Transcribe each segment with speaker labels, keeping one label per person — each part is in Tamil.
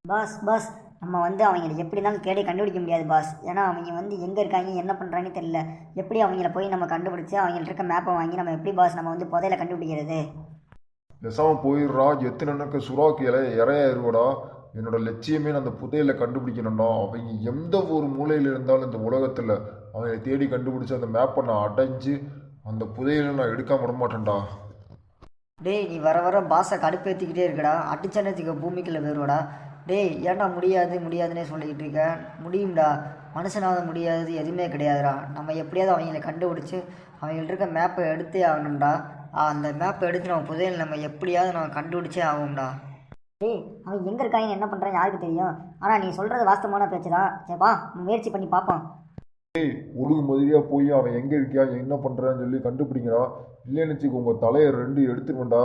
Speaker 1: பாஸ் நம்ம வந்து அவங்கள எப்படி இருந்தாலும் தேடி கண்டுபிடிக்க முடியாது பாஸ். ஏன்னா அவங்க வந்து எங்கே இருக்காங்க என்ன பண்ணுறாங்கன்னு தெரியல. எப்படி அவங்கள போய் நம்ம கண்டுபிடிச்சி அவங்கள்ட்ட இருக்க மேப்பை வாங்கி நம்ம எப்படி பாஸ் நம்ம வந்து புதையில கண்டுபிடிக்கிறது?
Speaker 2: பேசாமல் போயிடுறா. எத்தனை எனக்கு சுறாக்கு இறையாயிருவடா. என்னோட லட்சியமே நான் அந்த புதையலை கண்டுபிடிக்கணும்டா. அவங்க எந்த ஒரு மூலையில் இருந்தாலும் இந்த உலகத்தில் அவங்களை தேடி கண்டுபிடிச்சி அந்த மேப்பை நான் அடைஞ்சு அந்த புதையலை நான் எடுக்காம விட மாட்டேன்டா.
Speaker 1: டேய் நீ வர பாஸை கடுப்பேற்றிக்கிட்டே இருக்கடா. அடிச்சனத்துக்கு பூமிக்குள்ளே போயிடுவாடா. டேய் ஏன்டா முடியாதுன்னே சொல்லிக்கிட்டு இருக்க. முடியும்டா. மனுஷனாவது முடியாது எதுவுமே கிடையாதுடா. நம்ம எப்படியாவது அவங்கள கண்டுபிடிச்சி அவங்கள்ட்ட இருக்க மேப்பை எடுத்தே ஆகணும்டா. அந்த மேப்பை எடுத்து நம்ம புதையல் நம்ம எப்படியாவது நம்ம கண்டுபிடிச்சே ஆகும்டா. டேய் அவன் எங்கே இருக்காங்கன்னு என்ன பண்ணுறான்னு யாருக்கு தெரியும். ஆனால் நீ சொல்கிறது வாஸ்தவமான பேச்சு தான். சரிப்பா முயற்சி பண்ணி பார்ப்போம்.
Speaker 2: ஒழுங்கு மாதிரியா போய் அவன் எங்கே இருக்கியா என்ன பண்ணுறான்னு சொல்லி கண்டுபிடிக்கிறா. இல்லைன்னு வச்சுக்கோ உங்கள் தலையை ரெண்டு எடுத்துருவேன்டா.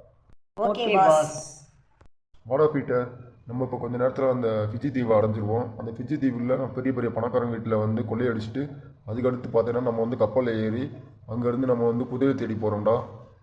Speaker 1: Okay boss.
Speaker 2: வாடா பீட்டர், நம்ம இப்போ கொஞ்சம் நேரத்தில் அந்த ஃபிஜி தீவை அடைஞ்சிருவோம். அந்த ஃபிஜி தீவில் பெரிய பெரிய பணக்காரங்க வீட்டில் வந்து கொள்ளையடிச்சிட்டு அதுக்கடுத்து பார்த்தீங்கன்னா நம்ம வந்து கப்பலில் ஏறி அங்கேருந்து நம்ம வந்து புதையல் தேடி போகிறோம்டா.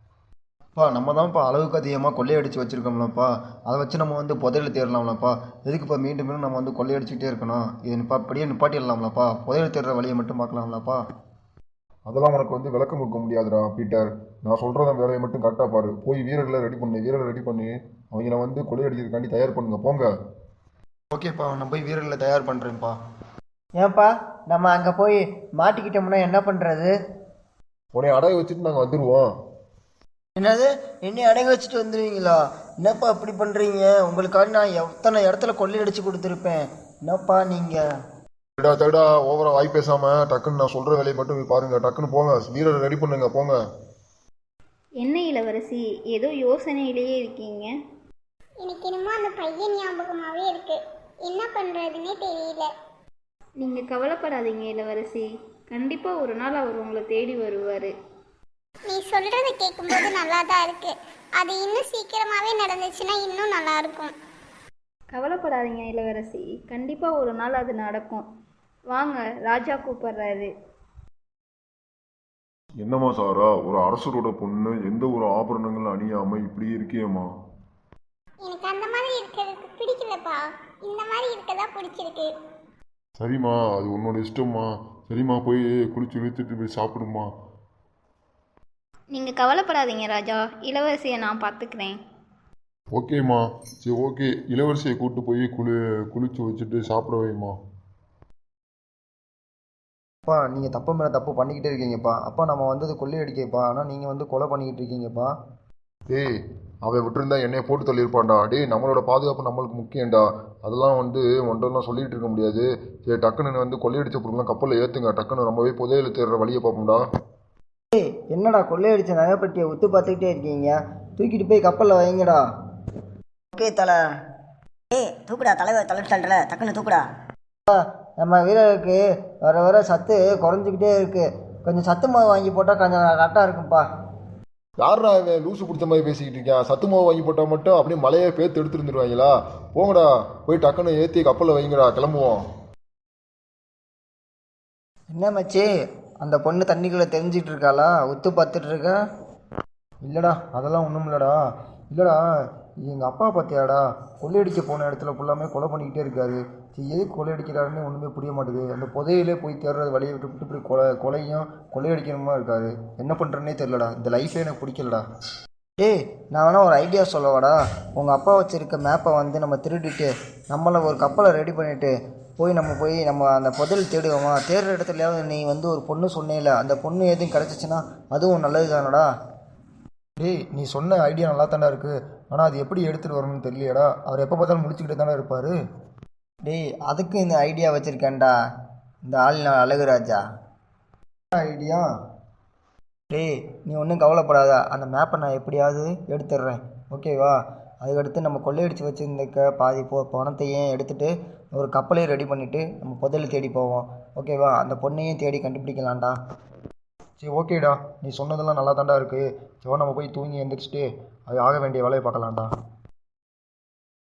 Speaker 3: நம்ம தான்ப்பா அளவுக்கு அதிகமாக கொள்ளையடிச்சு வச்சுருக்கோம்லப்பா. அதை வச்சு நம்ம வந்து புதையல் தேடலாம்லப்பா. எதுக்குப்பா மீண்டும் மீண்டும் நம்ம வந்து கொள்ளையடிச்சிக்கிட்டே இருக்கணும்? இது அப்படியே நிப்பாட்டிடலாம்லப்பா. புதையல் தேடுற வழியை மட்டும் பார்க்கலாம்லப்பா.
Speaker 2: அதெல்லாம் உனக்கு வந்து விளக்கம் கொடுக்க முடியாதுடா பீட்டர். நான் சொல்கிறத வேலையை மட்டும் கரெக்டாக பாரு. போய் வீரர்களை ரெடி பண்ணி அவங்கள வந்து கொள்ளையடிக்கிறதுக்காண்டி தயார் பண்ணுங்க போங்க.
Speaker 3: ஓகேப்பா, நான் போய் வீரர்களை தயார் பண்ணுறேன்ப்பா.
Speaker 4: ஏன்ப்பா நம்ம அங்கே போய் மாட்டிக்கிட்டோம்னா என்ன பண்ணுறது?
Speaker 2: உன்னை அடைய வச்சுட்டு நாங்கள் வந்துடுவோம்.
Speaker 4: என்னது என்னை அடகு வச்சுட்டு வந்துடுவீங்களா? என்னப்பா இப்படி பண்ணுறீங்க? உங்களுக்காக நான் எத்தனை இடத்துல கொள்ளையடிச்சு கொடுத்துருப்பேன். என்னப்பா நீங்கள்
Speaker 2: தடா ஓவரா வாய் பேசாமல் டக்குன்னு நான் சொல்கிற வேலையை மட்டும் போய் பாருங்கள். டக்குன்னு போங்க, வீரரை ரெடி பண்ணுங்க போங்க.
Speaker 5: என்ன இளவரசி, ஏதோ யோசனையிலேயே இருக்கீங்க?
Speaker 6: எனக்கு என்னமோ அந்த பையன் ஞாபகமாகவே இருக்கு. என்ன பண்ணுறதுன்னே தெரியல.
Speaker 5: நீங்கள் கவலைப்படாதீங்க இளவரசி. கண்டிப்பாக ஒரு நாள் அவர் உங்களை தேடி வருவார்.
Speaker 6: நீ சொல்கிறத கேட்கும்போது நல்லா தான் இருக்கு. அது இன்னும் சீக்கிரமாகவே நடந்துச்சுன்னா இன்னும் நல்லா இருக்கும்.
Speaker 5: கவலைப்படாதீங்க இளவரசி, கண்டிப்பாக ஒரு நாள் அது நடக்கும். வாங்க, ராஜா கூப்பிடுறாரு.
Speaker 2: என்னம்மா சாரா, ஒரு அரசரோட பொண்ணு எந்த ஒரு ஆபரணங்களும் அணியாமல் இப்படி இருக்கியம்மா?
Speaker 6: எனக்கு அந்த மாதிரி இருக்கிறதுக்கு பிடிக்கலப்பா. இந்த மாதிரி இருக்கதான் பிடிச்சிருக்கு.
Speaker 2: சரிம்மா, அது உன்னோட இஷ்டம்மா. சரிம்மா, போய் குளிச்சு இழுத்துட்டு போய் சாப்பிடுமா.
Speaker 5: நீங்கள் கவலைப்படாதீங்க ராஜா, இளவரசியை நான் பார்த்துக்கிறேன்.
Speaker 2: ஓகேம்மா, சரி ஓகே. இளவரசியை கூப்பிட்டு போய் குளிச்சு வச்சுட்டு சாப்பிட வைம்மா.
Speaker 3: அப்பா, நீங்கள் தப்பு மேலே தப்பு பண்ணிக்கிட்டே இருக்கீங்கப்பா. அப்பா நம்ம வந்தது கொள்ளையடிக்கப்பா. ஆனால் நீங்கள் வந்து கொலை பண்ணிக்கிட்டு இருக்கீங்கப்பா.
Speaker 2: டேய் அவன் விட்டுருந்தா என்னைய போட்டு தள்ளியிருப்பான்டா. டேய் நம்மளோட பாதுகாப்பு நம்மளுக்கு முக்கியம்டா. அதெல்லாம் வந்து ஒன்றெல்லாம் சொல்லிகிட்டு இருக்க முடியாது. சரி டக்குன்னு வந்து கொள்ளையடிச்ச பொருள்லாம் கப்பலில் ஏற்றுங்க. டக்குன்னு நம்ம போய் புதையல் தேடுற வழியை பார்ப்போம்டா.
Speaker 4: என்னடா கொள்ளையடிச்ச நகைப்பட்டியை உத்து பார்த்துக்கிட்டே இருக்கீங்க? தூக்கிட்டு போய் கப்பலில் வைங்கடா.
Speaker 1: ஓகே தலை. தூக்குடா தலைவர் தள்ளுற டக்குன்னு தூக்குடா.
Speaker 4: நம்ம வீரருக்கு வர சத்து குறைஞ்சிக்கிட்டே இருக்கு. கொஞ்சம் சத்து மாவு வாங்கி போட்டால் கொஞ்சம் கரெக்டாக இருக்கும்ப்பா.
Speaker 2: யாரா அவன் லூசு பிடிச்ச மாதிரி பேசிக்கிட்டு இருக்கான்? சத்து மாவு வாங்கி போட்டால் மட்டும் அப்படியே மலையை பேத்து எடுத்துருந்துருவாங்களா? போங்கடா, போய் டக்குன்னு ஏற்றி கப்பலில் வைங்கடா, கிளம்புவோம்.
Speaker 4: என்ன மச்சி, அந்த பொண்ணு தண்ணிக்குள்ளே தெரிஞ்சிட்டு இருக்காளா? உத்து பார்த்துட்டு இருக்கா?
Speaker 3: இல்லைடா, அதெல்லாம் ஒன்றும் இல்லைடா. எங்கள் அப்பா பார்த்தியாடா, கொள்ளையடிக்க போன இடத்துல ஃபுல்லாமே கொலை பண்ணிக்கிட்டே இருக்காரு. சரி எதுக்கு கொள்ளையடிக்கிறாருன்னு ஒன்றுமே புரிய மாட்டேது. அந்த புதையிலே போய் தேடுறது வழியை விட்டு இப்படி கொலையும் கொள்ளையடிக்கணுமா இருக்காரு. என்ன பண்ணுறேன்னே தெரிலடா. இந்த லைஃபே எனக்கு பிடிக்கலடா.
Speaker 4: நான் வேணா ஒரு ஐடியா சொல்லவாடா. உங்கள் அப்பா வச்சுருக்க மேப்பை வந்து நம்ம திருடிட்டு நம்மளை ஒரு கப்பலை ரெடி பண்ணிவிட்டு நம்ம அந்த புதையல் தேடுவோமா? தேடுற இடத்துலையாவது நீ வந்து ஒரு பொண்ணு சொன்னேல, அந்த பொண்ணு எதுவும் கிடச்சிச்சின்னா அதுவும் நல்லது தானடா.
Speaker 3: நீ சொன்ன ஐடியா நல்லா தானே இருக்குது. ஆனால் அது எப்படி எடுத்துகிட்டு வரணும்னு தெரியலையடா. அவர் எப்போ பார்த்தாலும் முடிச்சுக்கிட்டே தானே இருப்பார்.
Speaker 4: அதுக்கு இந்த ஐடியா வச்சுருக்கேன்டா. இந்த ஆள் நான் அழகுராஜா.
Speaker 3: ஐடியா?
Speaker 4: நீ ஒன்றும் கவலைப்படாத. அந்த மேப்பை நான் எப்படியாவது எடுத்துடுறேன், ஓகேவா? அதுக்கடுத்து நம்ம கொள்ளையடிச்சு வச்சுருந்துக்க பாதி பணத்தையும் எடுத்துகிட்டு ஒரு கப்பலையும் ரெடி பண்ணிவிட்டு நம்ம புதையல் தேடி போவோம், ஓகேவா? அந்த பொண்ணையும் தேடி கண்டுபிடிக்கலாம்டா.
Speaker 3: சரி ஓகேடா, நீ சொன்னதெல்லாம் நல்லா தாண்டா இருக்குது. சரி நம்ம போய் தூங்கி எழுந்திரிச்சிட்டு அது ஆக வேண்டிய வேலையை பார்க்கலாம்டா.